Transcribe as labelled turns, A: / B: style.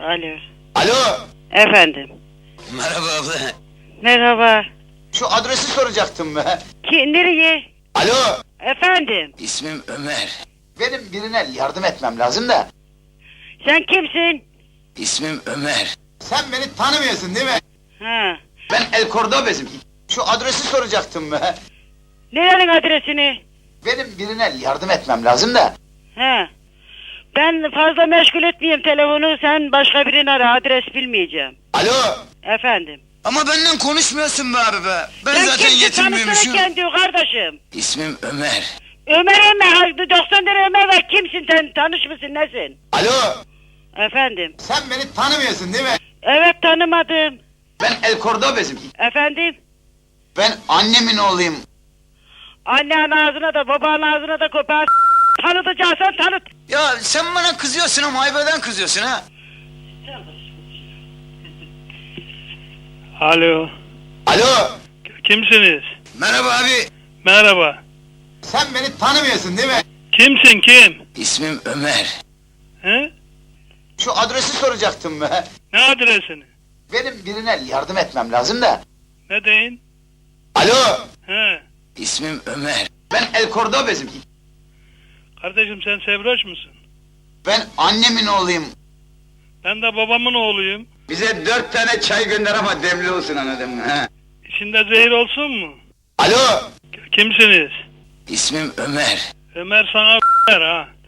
A: Alo.
B: Alo.
A: Efendim.
B: Merhaba abla.
A: Merhaba.
B: Şu adresi soracaktım be.
A: Nereye?
B: Alo.
A: Efendim.
B: İsmim Ömer. Benim birine yardım etmem lazım da.
A: Sen kimsin?
B: İsmim Ömer. Sen beni tanımıyorsun değil mi?
A: Ha.
B: Ben El Cordobes'im. Şu adresi soracaktım be.
A: Nerenin adresini?
B: Benim birine yardım etmem lazım da.
A: Ha. Ben fazla meşgul etmeyeyim telefonu. Sen başka birini ara. Adres bilmeyeceğim.
B: Alo.
A: Efendim.
B: Ama benden konuşmuyorsun be abi be. Ben
A: Sen
B: zaten
A: kimsin?
B: yetinmiyormuşum.
A: Tanısana kendi kardeşim.
B: İsmim Ömer.
A: Ömer. 90 tane Ömer var. Kimsin sen? Tanış mısın? Nesin?
B: Alo.
A: Efendim.
B: Sen beni tanımıyorsun değil mi?
A: Evet, tanımadım.
B: Ben El Cordobes'im.
A: Efendim.
B: Ben annemin oğluyum.
A: Annen ağzına da babanın ağzına da kopar. Tanıtacaksan tanıt.
B: Ya sen bana kızıyorsun ama ayıbeden kızıyorsun ha.
C: Alo.
B: Alo.
C: Kimsiniz?
B: Merhaba abi.
C: Merhaba.
B: Sen beni tanımıyorsun değil mi?
C: Kimsin kim?
B: İsmim Ömer.
C: He?
B: Şu adresi soracaktım be.
C: Ne adresini?
B: Benim birine yardım etmem lazım da.
C: Ne deyin?
B: Alo.
C: He.
B: İsmim Ömer. Ben El Cordobes'im.
C: Kardeşim sen Sevroş musun?
B: Ben annemin oğluyum.
C: Ben de babamın oğluyum.
B: Bize 4 tane çay gönder ama demli olsun anladın mı? He?
C: İçinde zehir olsun mu?
B: Alo.
C: Kimsiniz?
B: İsmim Ömer.
C: Ömer sana ha.